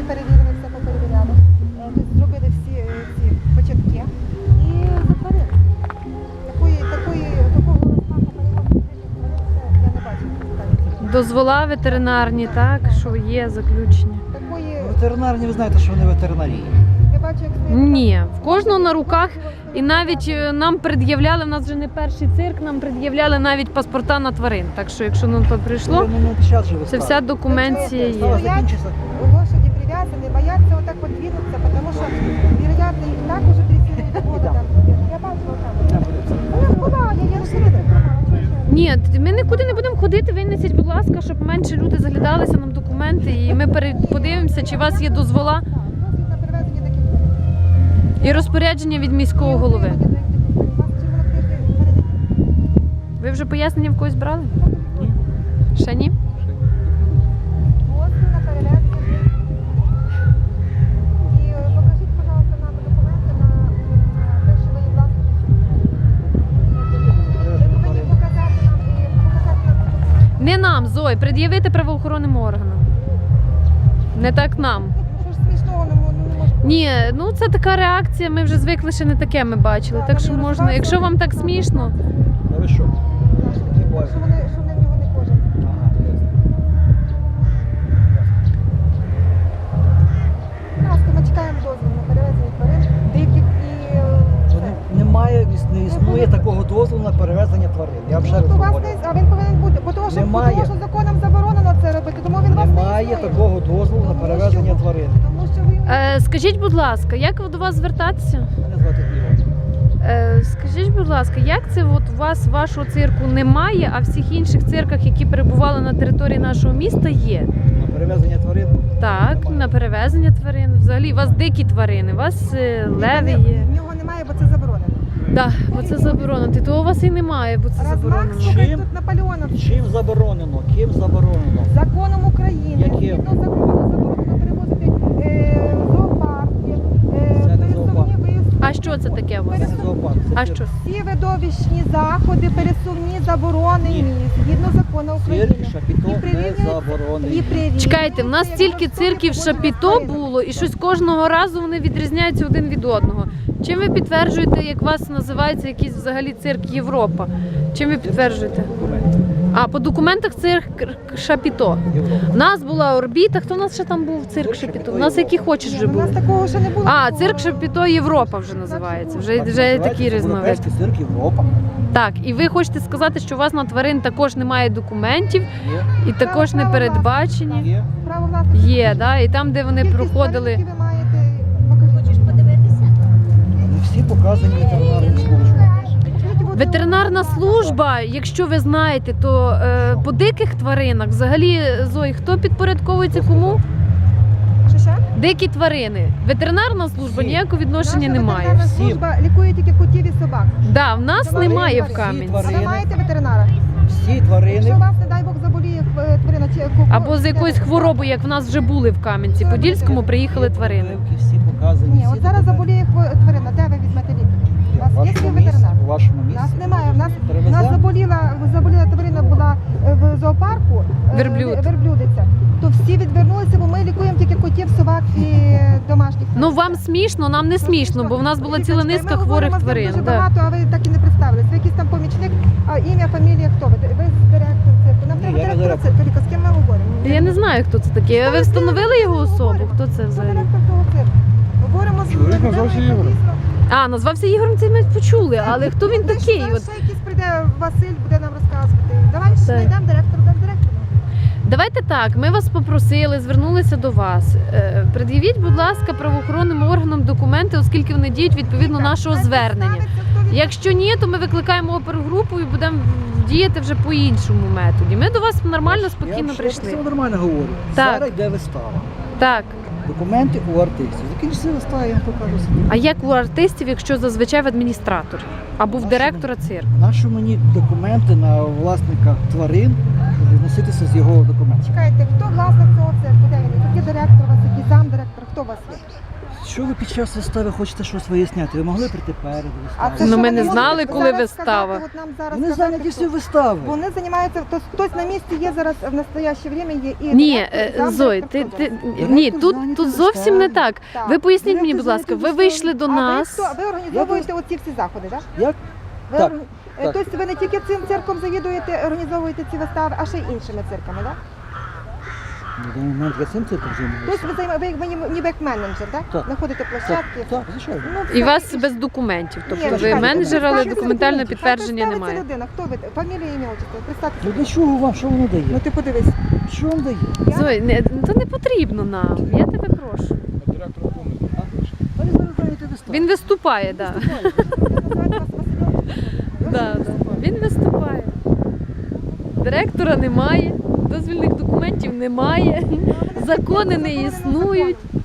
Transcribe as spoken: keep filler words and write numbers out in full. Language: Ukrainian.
перевірили, все поперевіряли. Е, Тобто зробили всі е, ці початки і затворили. Такої, такої, такого розмаху перевозки я не бачила. Дозвола ветеринарні, так, що є заключення. Такої, Ветеринарні, ви знаєте, що вони ветеринарії. я бачу, як стоїть. Ні, в кожного на руках. І навіть е, нам пред'являли, в нас вже не перший цирк, нам пред'являли навіть паспорта на тварин. Так що, якщо нам то прийшло, Ну, ну, щас же ви це вся скажете. документація Стало є. закінчиться. Лошади прив'язані, бояться отак от двинутися, тому що, вероятно, їх так уже трясіння від голода. Я бачила там. Вона була, я її розумію. Ні, ми нікуди не будемо ходити, винесіть, будь ласка, щоб менше люди заглядалися нам документи, і ми пере- подивимося, чи у вас є дозвола Дозвіл на перевезення таких тварин. і розпорядження від міського голови. Ви вже пояснення в когось брали? Ні. Ще ні? Дозвіл на перевезення. І е, покажіть, пожалуйста, нам документи на на те, що ви є власником. Ви повинні показати нам і показати нам. Не нам, Зой, пред'явити правоохоронним органам. Не так нам. Ну, що ж смішного не мо- не може. Ні, ну це така реакція, ми вже звикли, ще не таке ми бачили. Так що можна, якщо вам так смішно, Та ви що? Такі бувають. Що вони, що вони в нього не кожен. Ага, ясно. Будь ласка, ми чекаємо дозвіл на перевезення тварин, диких і е, Вони- все. Немає, не існує такого дозволу на перевезення тварин. Я вже раз От у вас говорю. десь, а він повинен бути, бо того, що, бо Немає. того, що законом заборонено це робити, тому він у вас не Немає існує. такого дозволу на Тому перевезення що- тварин. Тому що ви... е, скажіть, будь ласка, як до вас звертатися? Мене звати Ігор. Е, скажіть, будь ласка, як це от у вас вашого цирку немає, а всіх інших цирках, які перебували на території нашого міста, є? На перевезення тварин. Так, Немає. на перевезення тварин. Взагалі, у вас дикі тварини, у вас е, леви є. В нього немає, бо це заборонено. Так, бо це заборонено. Ти того у вас і немає, бо це Розмах, заборонено. слухай, Чим? тут Наполеонов. Чим заборонено? Ким заборонено? Законом України, Яким? згідно закону, заборонено перевозити е, зоопарки, е, Це не пересувні зоопарк. виїзди. А що це таке у вас? Це не зоопарк. це А цирк. що? Всі видовищні заходи, пересувні, заборонені, Ні. згідно закону України. Цирк, шапіто І не прирівнюється- і заборонений. прирівнюється, Чекайте, в нас як стільки влаштовує цирків поводження шапіто з тваринами. було, і щось кожного разу вони відрізняються один від одного. Чим ви підтверджуєте, як у вас називається якийсь взагалі цирк Європа? Чим ви підтверджуєте? Документи. А по документах цирк Шапіто. Європа. У нас була орбіта. Хто у нас ще там був? Цирк Цирк Шапіто. Шапіто У нас Європа. які хочеш Ні, вже ну, у були. нас такого ще не було. А, такого. цирк Шапіто Європа вже називається. Вже, Так вже називається, такий різновид. Будапештський цирк Європа. Так, і ви хочете сказати, що у вас на тварин також немає документів Є. і також не передбачені? Є. Право власності. Є, да? І там, де вони Кількість проходили. тварин, які ви маєте, покажіть. Вони всі показані ветеринарним службам. Ветеринарна служба, якщо ви знаєте, то е, по диких тваринах взагалі, Зої, хто підпорядковується кому? Що ще? Дикі тварини. Ветеринарна служба Всі. ніякого відношення Наша не має. ветеринарна Всім. служба лікує тільки котів і собак. Да, в нас Тварини, немає в всі Кам'янці. А ви Тварини. маєте ветеринара? Всі Якщо тварини. у вас, не дай Бог, заболіє е, тварина чи ку- Або з якоюсь хворобою, як в нас вже були в Кам'янці Подільському, приїхали тварини. Прививки всі показані. Ні, всі от зараз документи. заболіє хво- тварина, де ви візьмете лікар? У В вас є вашому свій місці, ветеринар? у вашому У місці. нас немає. У нас, у нас Привеземо? заболіла, заболіла тварина була е, в зоопарку, е, Верблюд. верблюдиця. То всі відвернулися, бо ми лікуємо тільки котів, собак і домашніх. Ну вам смішно, нам не смішно, бо в нас була ціла Лікарочка, низка ми хворих говоримо з ним тварин. Дуже Да. багато, а ви так і не представились. Ви якийсь там помічник, а ім'я, фамілія, хто ви? Ви директор цирку. Нам Ні, треба я не директора директор. цирку. Ліка, з ким ми говоримо? Я не знаю, хто це такий. А ви встановили його особу? Хто це Хто взагалі? директор того цирку? Говоримо з Чоловік людиною, назвався яка Ігорем. дійсно- А, назвався Ігорем, це ми почули, але хто він Ну, такий? що, От ще якийсь прийде Василь, буде нам розказувати. Давай Так. знайдемо директора, дам директора. давайте так, ми вас попросили, звернулися до вас. Е, Пред'явіть, будь ласка, правоохоронним органам документи, оскільки вони діють відповідно нашого Хай звернення. представиться, хто він. Якщо ні, то ми викликаємо опергрупу і будемо діяти вже по іншому методі. Ми до вас нормально, Я спокійно вам прийшли. Все нормально говорю. Так. Зараз йде вистава. Так. Документи у артистів. Закінчиться вистава, я вам покажу. А як у артистів, якщо зазвичай в адміністраторі або в Нашому- директора цирку? Нащо мені документи на власника тварин відноситися з його документів? Чекайте, хто власник цього цирку? Де він? Який директор у вас, який замдиректор, хто у вас є? якщо ви під час вистави хочете щось виясняти, ви могли прийти перед А виставою. це Ну, що ми ви не можете знали, коли зараз вистава. сказати, от нам зараз Вони сказати, зайняті хто? всі вистави. Вони займаються, то хтось на місці є зараз в настояще время є і Ні, директор, і е, замдиректор, Зой, хто ти, зараз? ти Директор ні, тут, зайнятий тут зовсім не виставою. так. Так. Ви поясніть мені, Директор будь ласка, ви зайнятий вийшли до А ви нас. хто? Ви організовуєте оці всі заходи, так? Як? Ви Так, орг- е, так. Тобто ви не тільки цим цирком завідуєте, організовуєте ці вистави, а ще й іншими цирками, так? На даний момент я цим цирком займаюся. Тобто ви займаєте, ви ніби- ніби як менеджер, так? Так. Знаходите площадки. Так, звичайно. Ну, І все. вас без документів. Ні, Тобто ну, ви чекайте, менеджер, але представтеся документального людина. підтвердження Хай немає. представиться людина, хто ви? Фамілія, ім'я, отчество. Ну Представтеся. для чого вам, що воно дає? Ну ти подивись. Що вам дає? Зой, не, то не потрібно нам. Я тебе прошу. Вони зараз зайняті вистави. Він виступає, так. Да. Називають вас Васильом. Да, да. Він виступає. Директора немає, дозвільних документів немає, закони не існують.